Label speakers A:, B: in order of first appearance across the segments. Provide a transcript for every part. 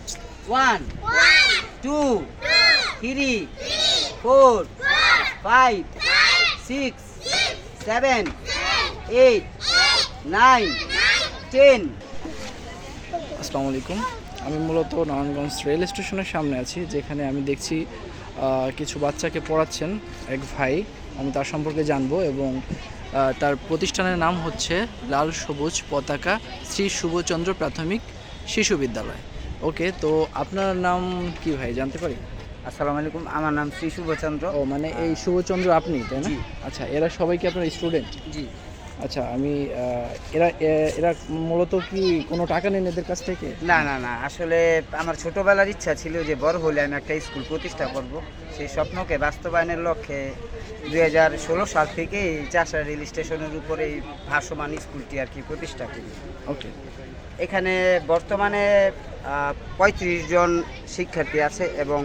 A: 1 2 3 4 5 6 7 8 9 10
B: আসসালামু আলাইকুম। আমি মূলত নারায়ণগঞ্জ রেল স্টেশনের সামনে আছি, যেখানে আমি দেখছি কিছু বাচ্চাকে পড়াচ্ছেন এক ভাই। আমি তার সম্পর্কে জানবো এবং তার প্রতিষ্ঠানের নাম হচ্ছে লাল সবুজ পতাকা শ্রী শুভচন্দ্র প্রাথমিক শিশু বিদ্যালয়। ওকে, তো আপনার নাম কি ভাই, জানতে পারি?
A: আসসালামু আলাইকুম, আমার নাম শ্রী শুভচন্দ্র।
B: ও মানে এই শুভচন্দ্র আপনি, তাই না?
A: জি।
B: আচ্ছা, এরা সবাই কি আপনার স্টুডেন্ট?
A: জি
B: আচ্ছা, আমি এরা এরা মূলত কি কোনো টাকা নেন এদের কাছ থেকে?
A: না না না, আসলে আমার ছোটবেলার ইচ্ছা ছিল যে বড় হলে আমি একটা স্কুল প্রতিষ্ঠা করব। সেই স্বপ্নকে বাস্তবায়নের লক্ষ্যে 2016 সাল থেকে এই চাষা রেল স্টেশনের উপরে এই ভাসমান স্কুলটি আর কি প্রতিষ্ঠা করি।
B: ওকে।
A: এখানে বর্তমানে 35 জন শিক্ষার্থী আছে এবং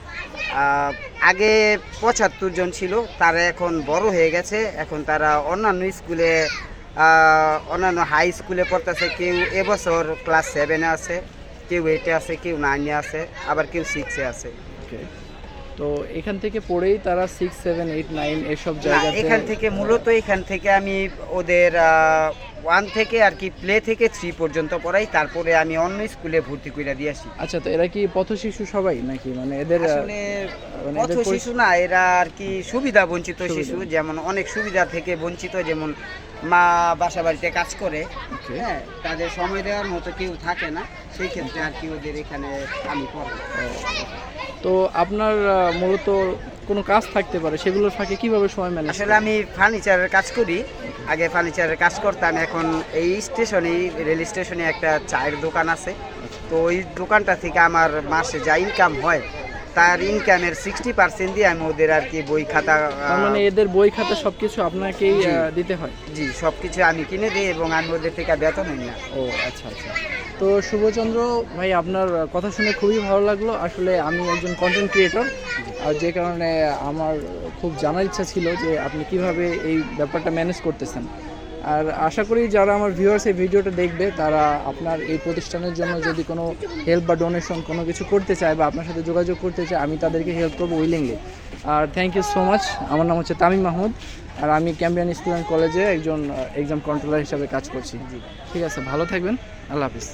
A: আগে 75 জন ছিল, তারা এখন বড় হয়ে গেছে। এখন তারা অন্যান্য স্কুলে অন্যান্য হাই স্কুলে পড়তেছে। কেউ এবছর ক্লাস 7-এ আছে, কেউ 8-এ আছে, কেউ 9-এ আছে, আবার কেউ 6-এ আছে।
B: ওকে, তো এখান থেকে পড়েই তারা 6, 7, 8, 9 এসব
A: না,
B: জায়গাতে
A: এখান থেকে মূলত এখান থেকে আমি ওদের 1 থেকে আর কি প্লে থেকে 3 পর্যন্ত পড়াই, তারপরে আমি অন্য স্কুলে ভর্তি করে দিয়ে আসি।
B: আচ্ছা, তো এরা কি পথ শিশু সবাই নাকি? মানে এদের
A: আসলে
B: মানে
A: পথ
B: এদের
A: শিশু না, এরা আর কি সুবিধা বঞ্চিত শিশু। যেমন অনেক সুবিধা থেকে বঞ্চিত, যেমন মা বাসা বাড়িতে কাজ করে,
B: Okay.
A: হ্যাঁ, তাদের সময় দেওয়ার মতো কেউ থাকে না, সেই ক্ষেত্রে আর কি ওদের এখানে আমি পড়াই।
B: তো আপনার মূলত কোনো কাজ থাকতে পারে, সেগুলোর ফাঁকে কিভাবে সময় ম্যানেজ?
A: আসলে আমি ফার্নিচারের কাজ করি। আগে ফার্নিচারের কাজ করতাম, এখন এই স্টেশনে রেল স্টেশনে একটা চায়ের দোকান আছে। তো ওই দোকানটা থেকে আমার মাসে যা ইনকাম হয়, তার ইনকামের 60% দিয়ে আমি ওদের আর কি বই খাতা,
B: তার মানে এদের বই খাতা সবকিছু আপনাকেই
A: জি।
B: দিতে হয়?
A: জি, সব কিছু আমি কিনে দিই এবং আমি ওদের থেকে বেতন নিই না।
B: ও আচ্ছা আচ্ছা। তো শুভচন্দ্র ভাই, আপনার কথা শুনে খুবই ভালো লাগলো। আসলে আমি একজন কন্টেন্ট ক্রিয়েটর, আর যে কারণে আমার খুব জানার ইচ্ছা ছিল যে আপনি কিভাবে এই ব্যাপারটা ম্যানেজ করতেছেন। আর আশা করি যারা আমার ভিউয়ার্স এই ভিডিওটা দেখবে, তারা আপনার এই প্রতিষ্ঠানের জন্য যদি কোনো হেল্প বা ডোনেশন কোনো কিছু করতে চায় বা আপনার সাথে যোগাযোগ করতে চায়, আমি তাদেরকে হেল্প করবো উইলিংলি। আর থ্যাংক ইউ সো মাচ। আমার নাম হচ্ছে তামিম মাহমুদ, আর আমি ক্যাম্বিয়ান স্কুল অ্যান্ড কলেজে একজন এক্সাম কন্ট্রোলার হিসাবে কাজ করছি। ঠিক আছে, ভালো থাকবেন, আল্লাহ হাফিজ।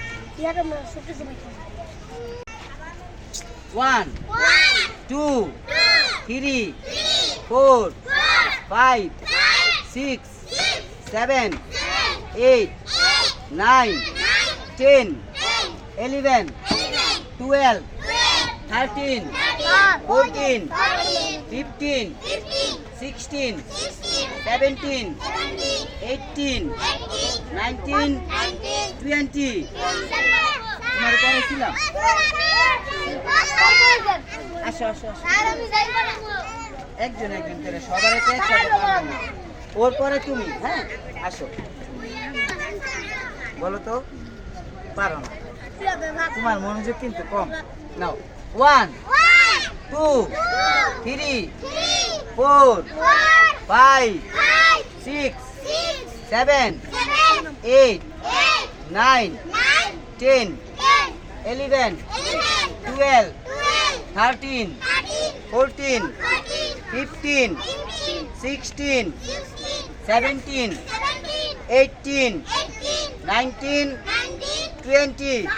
A: 1 2 3 4 5 6 7 8 9 10 11 12 13 14 15 16 17 18 19 20 তোমার পরে ছিলাম। আসো আসো আসো, একজন একজন করে সবার একটা একসাথে পারবো না। ওর পরে তুমি, হ্যাঁ আসো, বলো তো, পারো না, তোমার মনোযোগ কিন্তু কম। নাও, 1 2 3 4 5 6 7 8 9 10 11 12 13 14 15 16 17 18 19 20